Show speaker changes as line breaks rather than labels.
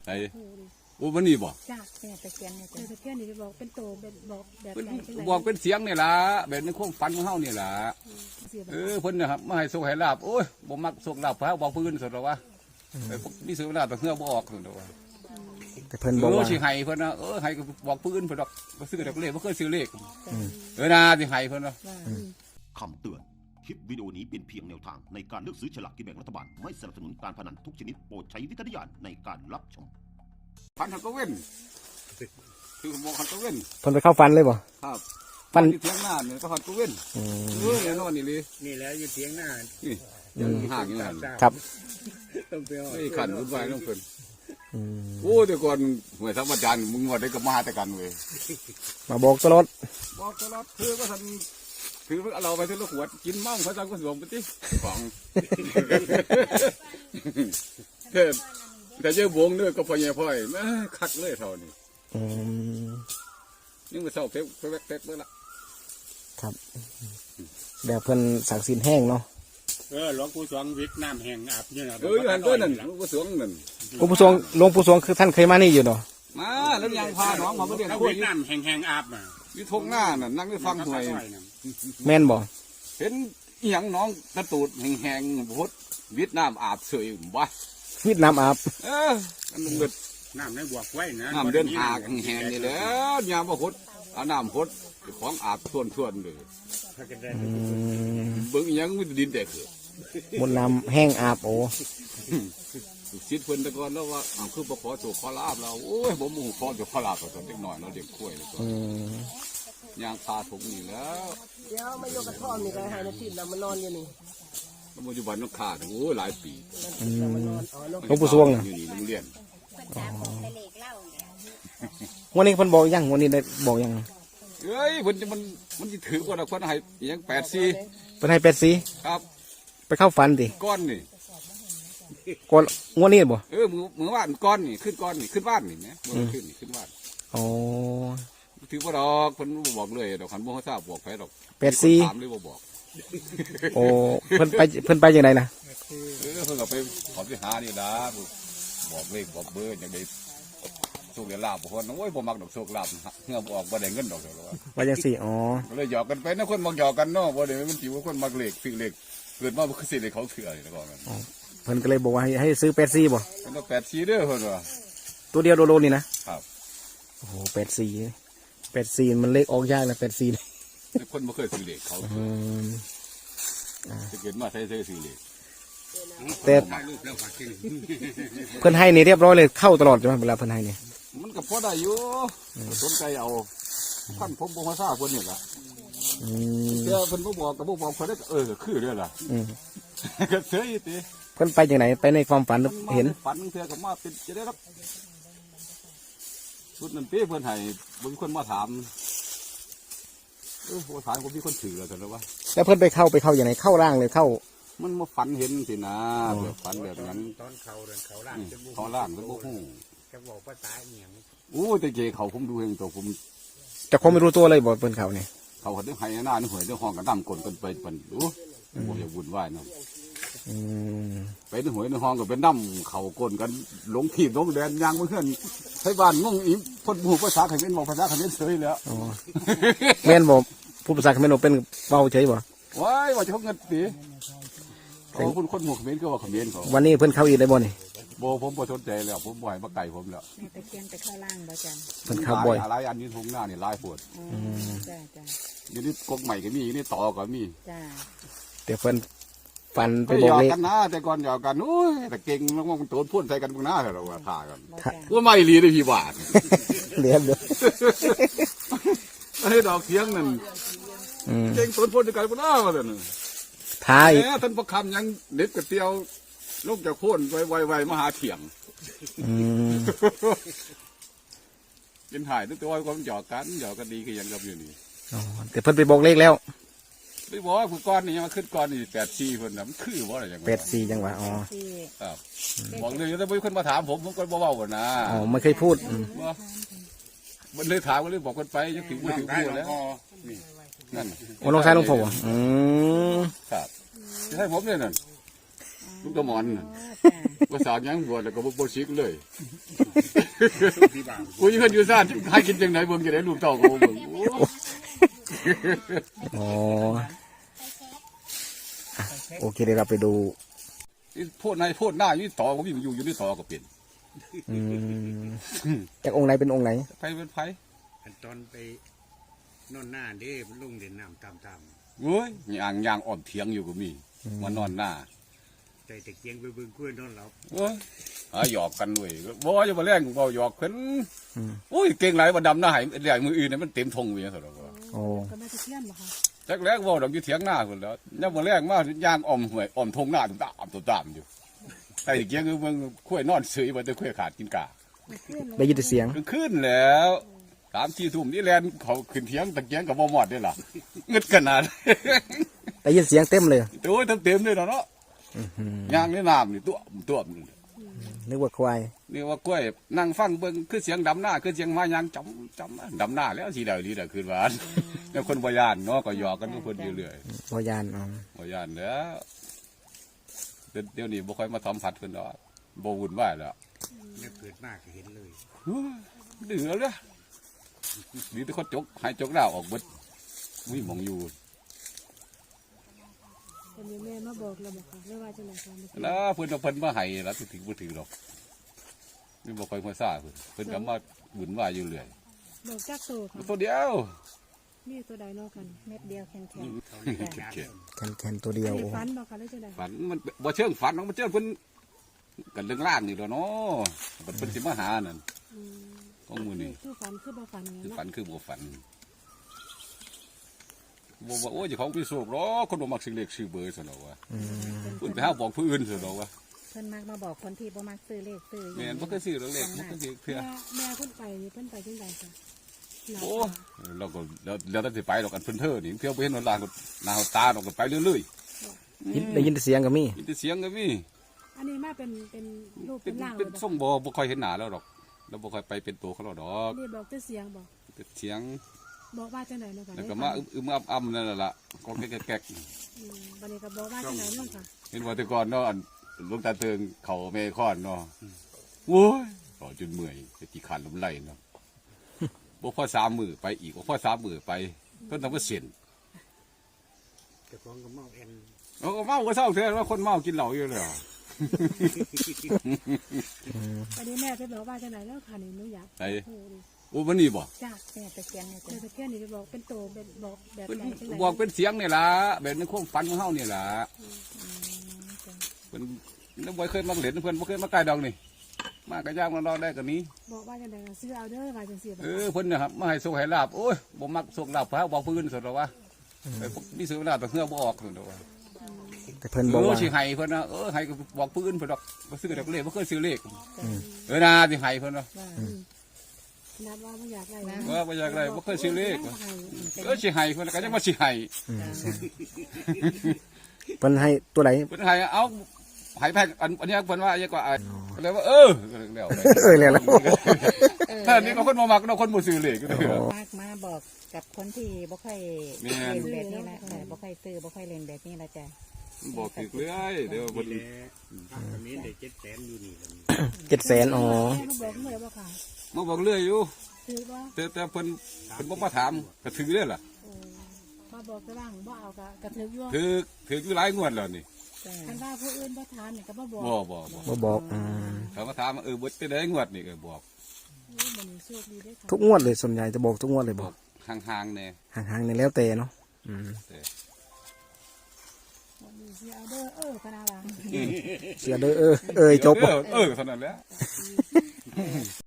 ส่โอ้วันนี้บ่
จ้าแม่ตะเคียนเนี่ยตะเคียนนี่บอกเป็นโตเป็นบอกแบบไหน
บอกเป็นเสียงนี่ล่ะแบบในความฝันของเฮานี่ล่ะเพิ่นนะครับมาให้โชคให้ลาบโอ้ยบ่มักโชคลาบพระบอกพื้นสุดหรอวะมีโชคลาบแต่เฮือบ่ออกสุดหรอวะ
แต่เพิ่นบอกว่า
สิให้เพิ่นนะให้บอกพื้นเพิ่นดอกบ่ซื้อดอกเลขบ่เคยซื้อเลขนะสิให้เพิ่นว่า
คำเตือนคลิปวิดีโอนี้เป็นเพียงแนวทางในการเลือกซื้อฉลากกินแบ่งรัฐบาลไม่สนับสนุนการพนันทุกชนิดโปรดใช้วิจารณญาณในการรับชม
พันหักก็เว้นคือมองหักก็เว้น
เพิ่นไปเข้าฟันเลยบ่
ครับฟันที่เทียงหน้าเนี่ยก็หักก็เว้นแน่นอนนี่เลย
นี่แล้วอยู่เทียงหน้า
นี่ยังห่างอยู่นั่น
ครับ
ต้องไปไอ้ขันวุ่นวายต้องเพิ่นโอ้แต่ก่อนเหมือนธรรมจารย์มึงว่าได้ก็มาแต่กันเว้ย
มาบอกตลอด
คือก็ทันถือเราไปที่ละขวดกินมั่งพระจันทร์ก็สวมไปที่ของแต่เจ้าบงเนี่ยก็พอเงี้ยพ่อยแม่คักเลยเท่านี้ยังมาเศร้าเพ็บเมื่อละ
ครับแบบเพิ่นสักสินแห้งเนาะ
หลวงปู่สวงวิทย์น้ำแห้งอาบเนี่ย
อันนั้นหลวงปู่สวงนั่น
หลวงปู่สวงคือท่านเคยมานี่อยู่เนาะ
มาแล้วยังพาน้องมาเมื่อเดือน
คุยน้ำแห้งอาบมา
วิทงหน้าน่ะนั่งได้ฟังหวย
แม่นบ่
เห็นอีหยังน้องกระตูดแห้งพุทธวิทน้ำอาบเฉยบ่
วิทน้ำอาบ
มันเกิด
น้ำในบวกไว้นะ
น้ำเดินหากแห้งนี่แหละยามบ่พุทธเอาน้ำพุทธของอาบส่วนเลยเบิ่งอีหยังมันดินแตกเกิด
มนต์น้ำแห้งอาบโอ้
คิดเพิ่นตะกอนแล้วว่าคือบ่ขอโชคขอลาบเราโอ้ยบ่มุ่งขอโชคขอลาบตอนเด็กน้อยเราเด็กกล้วยยางพาถุงนี่แล้ว
เดี๋ยวไม่ยกกระท่อมนี่ก็ให้นาทีเรามานอนอยู่นี่
ปัจจุบันต้องขาดโอ้หลายปี
หลวงปู่สวง
อยู่นี่โรงเรียน
วันนี้เพิ่นบอกยังวันนี้ได้บอกยัง
เฮ้ยมันจะถือว่าเราคนให้ยัง84
เพิ่นให้84
ครับ
ไปเข้าฝันดิ
ก้อนนี่
ก้อนงวดนี้บ่
มือว่านก้อนนี่ขึ้นบ้านนี่นะขึ้นบ้าน
อ๋อ
ถือว่าดอกคนบอกเลยดอกขันบ่ทราบบอกใครดอก
84
ถามเลยบ่บอก
โอ้เพิ่นไปจังได๋ล่ะ
เพิ่นก็ไปขอไปหานี่ล่ะบอกเลขบอกเบอร์จังได๋โชคลาภบ่คนโอ้ยบ่มักดอกโชคลาภเฮือบ่ออกบ่ได้เงินดอก
ว่าจังซี่อ๋อ
เลยหยอกกันไปนะคนมักหยอกกันเนาะบ่ได้มันสิว่าคนมักเลขซื้อเลขเกิดมาบ่คือสิได้เขาเถื่อนี่แล้วก็
เพิ่นก็เลยบอกว่าให้ซื้อ84บ่
เพิ่นเอา84เด้อเพิ่นว่า
ตัวเดียวโลนี่นะครับโอ้โห84มันเลขออกยากนะ84
คนบ่เคยซื้อเลขเขาจะเกิดมาใช้ซื้อเลข
แต่เพิ่นให้นี่เรียบร้อยเลยเข้าตลอดใช่มั้ยเวลาเพิ่นให้นี่
มันก็พอได้อยู่สนใจเอาท่านผมบ่มาทราบเพิ่นนี่ล่ะเดี๋ยวเพิ่นบ่บอกก็บ่บอกเพิ่นได้คือเด้อล่ะก็เสยติ
เพิ่นไปจังไหนไปในความฝันเห็น
ฝันเทื่อก็มาเป็นจะได้รับสุดนั้นเป้เพิ่นให้บ่มีคนมาถามถามผมมีคนถือแล้วแต่ว่า
แล้วเพิ่นไปเข้าอย่างไรเข้าร่างเลยเข้า
มันมาฝันเห็นสินะแบบฝันแบบนั้น
ตอนเขาล่าง
ก็บ่ฮู้
จะบอกภาษาอีหยัง
โอ้แต่เจเขาผมดูเองตัวผม
แต่คงไม่รู้ตัวเลยบ่เพิ่นเขานี่
เขาก็ต้องให้หน้าหวยต้องห้องกันดำกลกันไปปั่นดูบ่อย่าวุ่นวายเนาะไปหวยในห้องก็เป็นน้ำเขากลกันหลงถีบหลงแดนยางเพื่อนใช้บ้านงงอีพ่นหูภาษาเขมรบอกภาษาเขมรเฉยแล้ว
แม่นบอกผู้ภาษาเขมรเป็นเบาเฉยบ่
ว้ายว่าจะเขาเงินตีเขาคุณคนหูเขมรก็ว่าเขมรเขา
วันนี้เพิ่นเข้าอีกได้บ่นี่
โบผมบ่สนใจแล้วผมบ่อยมาไก่ผมแล้ว
ตะเคียนไปเข้าล่างบ่จัน
เพิ่นเข้าบ่อย
หลายอันนี้ทุ่งหน้านี่ลายปวด
จ้า
อยู่นี่กกใหม่ก็มีอยู่นี่ต่อก็มี
จ้า
เดี๋ยวเพิ่นฟันไปบอกเลข
กันนะแต่ก่อนหยอกกันโอ้ยแต่เก่งมากๆมันโตนพ่นใส่กันพวกหน้าเราว่าท่ากันว่าไม่รีได้พี่บาท
เลี้ยงเลย
ให้ดอกเสียงนั่นเก่งโตนพ่นใส่กันพวกหน้ามาเลย
ท้าย
ท่านประคำยังเด็ดกระเตียวลูกจะโค่นไวๆมาหาเถียงกินถ่ายตัวก็หยอกกันดีก็ยังกับอยู่นี่
แต่เพิ่นไปบอกเลขแล้ว
ไม่บอกว่าก้อนนี่ยังมาขึ้นก้อนนี่84เพิ่นน่ะมันคือว่าอะไรอย่าง
84จังหวะอ๋อ
ครับบอกเลยถ้ามีคนมาถามผมก็บ่เว้าก่อนนะ
อ๋อไม่เคยพูด
มันเลยถามก็เลยบอกคนไปยังถึงพูดแล้ว
นั่นโอ้ลงซ้ายลงโผล่
ครับให้ผมเลยนั่นลูกตะหมอนน่ะ
จ้ะ
ภาษาหยังบวชแล้วก็บ่ชิกเลย
ที่บ้าน
กูยังเพิ่นอยู่ซ่านให้กินจังไดเบิ่งจะได้ลูกเต้าก็บ่เบิ่งโอ้
อ๋ออ่ะโอเคเดี๋ยวเราไปดู
ยโพดในโพดหน้าอยู่ต่อก็มีอยู่ในต่อก็เป็น
อืมจากองค์ไหนเป็นองค์ไหน
ไผเป็นไผ
อันตอนไปนอนหน้าเด้มันลุงเด่นน้ำตาม
เว้ยย่างอ้อมเถียงอยู่ก็มีมานอนหน้า
ๆใจตะเกียงไปเบิ่งกล้วยนอนหลับ
เว้ยหยอกกันด้วยบ่จะมาแรงบ่หยอกเพิ่น
อืม
โอ้ยเก่งหลายบ่ดำหน้าให้แรงมืออื่นน่ะมันเต็มทงเวียซั่นดอกว่า
โอ้
ก็แม่ตะเคียนบ่ค่ะ
จักแรกเว้าดอกอยู่เถียงหน้าพุ่นแล้วยามมื้อแรงมาย่างอ้อมห้วยอ้อมทงหน้าตุ้มตามอยู่ไอ้เกียงคือเบิ่งข้วยนอนเสยบ่แต่ข้วยขาดกินกา
ได้ยินแต่เสียง
ขึ้นแล้ว3-4 ทุ่มนี่แลนเขาขึ้นเถียงตะเกียงก็บ่หมดเด้ล่ะงึดขนาด
ได้ยินเสียงเต็มเลย
โอ้ยเต็มเลยเนาะ
อื้อหือ
ย่างในน้ำนี่ตัวนี่
นึกว่าควาย
นี่ว่ากล้วยนั่งฟังเบิ่งคือเสียงดำหน้าคือเสียงมายางจำดำหน้าแล้วสิได้ลีได้คืนว่าแล้วคนบ่ย่านเนาะก็หยอกกันทุกคนอยู่เรื่อย
พยานอ๋อ
บ่ย่านแล้วเดี๋ยวนี้บ่ค่อยมาสัมผัสเพิ่นดอกบ่วุ่นวายแล้ว
เนี่ยเกิดมากก็เห็นเลย
ดื้อแล้วมีแต่คนจกหายจกดาวออกเบิดมุ้ยหมองอยู่
เป็นแม่มาบอกเราบ่ค่ะเรียกว่าจังได๋ค่ะ
นะเพิ่นเอาเพิ่นมาให้แล้วถึงบ่ถือดอกนี่บ่ค่อยมาซ่าเพิ่นก็มาวุ่นวายอยู่เรื่อย
บอกจักโตค่ะ
ตัวเดียว
มีตัวใดเนาะกัน
เม็ดเดียวแข็ง
เข็ด
แคนตัวเดียว
มี
โอ้
ฝันบ่ค่ะหรือจังได๋
ฝันมันบ่เชิงฝันมันเชิงเพิ่นกันเรื่องล่างนี่แหล้วเนาะเพิ่นสิมาหานั่นของมื้อนี้
คือฝันคือบ่ฝันไง
คือ
เนาะ
ฝันคือบ่ฝันบ่ว่าโอ้ยเจ้าของพี่โศกหรอกคนบ่มักสิเลขชื่อเบอร์ซั่นดอกว่า
อืม
เพิ่นไปหาบอกผู้อื่นซั่นดอกว่า
ๆเพิ่นมักมาบอกคนที่บ่มักซื้อเลขซื้อ
แม่นบ่เคยซื้อดอกเลขบ่เคยซื้อเทื่อ
แม่เพิ่นไปนี่เพิ่นไปจังไดค่ะ
โอ้เราก็แล้วแต่สิไปดอกกันเพิ่นเท่อนี่เที่ยวไปเห็นว่าลางก็หน้าตาดอกก็ไปเรื่อย
ได้ยินแต่เสียงก็มี
ๆมีแต่เสียงก็มี
อันนี้มาเป็นรูป
เป็
เป็น นร่าง
เป็น
เลย
ส่งบ่ค่อยเห็นหน้าแล้วดอกแล้วบ่ค่อยไปเป็นตัวเขาแล้วดอก
นี่บอกแต่เสียงบอก
แต่เสียง
บอกว่าจังไดเนาะค่ะ
แล้วก็มาอึมๆอ้ำๆนั่นล่ะก็แก๊กๆ
บัดนี้ก็บอกว่าจังไดเนาะค่ะ
เห็นว่าแต่ก่อนเนาะอันหลวงตาเติงเขาเมฆอนเนาะโว้ยต่อจนเมื่อยจะกี่ขันลมไหลเนาะบ่พอ3 มื้อไปอีกบ่พอ3 มื้อไปเพิ่นทำว่าเสียน
แต่ของก็เมาแอน
เอาก็เมาก็เศร้าเท่าว่าคนเมากินเหล้าอยู่แล้ว
บัดนี้แม่ไปบอกว่าจังไดเนาะค่ะนี่หนูอยาก
ไอ้
โอ้ดิ
โอ้มันนี่บ่
จ้า
แม่ตะเกียงเนี่ย
แม่
จ้ะ
ตะเคียนนี่ไปบอกเป็นโตเป็นบอกแบบ
เพิ่น
ไหนจังได
บอกเป็นเสียงนี่ล่ะแบบในความฝันของเฮานี่ล่ะเพิ่นแล้วบ่เคยมาเล่นเพิ่นบ่เคยมาใกล้ดอกนี่มากระย่างมันรอได้กันนี้
บอกว่าจังไดก็ซื้อเอาเด้อว่าจังซี่บ่
เพิ่นนะครับมาให้โชคให้ลาบโอ้ยบ่มักโชคลาบพระบอกพื้นสุดหรอกว่าไอ้พวกมีโชคลาบแต่เฮือบ่ออกสุดหรอกว่า
แต่เพิ่นบอกว่า
สิให้เพิ่นนะให้ก็บอกปืนเพิ่นดอกบ่ซื้อดอกเลขบ่เคยซื้อเลขนะสิให้เพิ่นนะ
นัดว่าบ่อยากได้
บ่อยากได้บ่เคยซื้อเลขสิให้เพิ่นก็ยังว่าสิให้
อืมใช่เพิ่นให้ตัวไหน
เพิ่นให้เอาให้แพงอันนี้เพิ่นว่าอย่างกว่าก็เลยว่าแล้ว
แล้ว
ถ้านี่ก็คนบ่มักเนาะคนบ่ซื้อเลขก็ได้
มากมาบอกกับคนที่บ่ค่อย
แม่น
เล่นแบบนี้ละบ่ค่อยซื้อบ่ค่อยเล่นแบบนี้ละจ้ะ
บอกถึกเลยเดี๋ยว
ค
เพิ่
น
น
แล้ตอนนี้ได้700,000อยู่นี่แล้ว
700,000อ๋อ
แม่มาบอกเลยบ่ค่ะ
มาบอกเรื่อยอยู่
ซื้อบ่
แต่เพิ่นบ่มาถามก็ถือเด้อล่ะ
มาบอกแต่ว่าบ่เอาก็ถืออยู่
ถืออยู่หลายงวดแล้วนี่
จ้ะ
คันว่าผู้อื่นบ่ถามนี่ก็บ่บอก
บ่
บ่บอกอืม
เขามาถามว่าเบิดไปได้งวดนี่ก็บอก
มันโชคดีได้ค่ะ
ทุกงวดเลยส่วนใหญ่จะบอกทุกงวดเลย
บบ อ
อก
กห่างๆเนี่ย
ห่างๆนี่แล้วแต่เนาะอืม
มีสิเอาเด้อคณะว่า
เสียเด้อจบ
เท่านั้นแหละ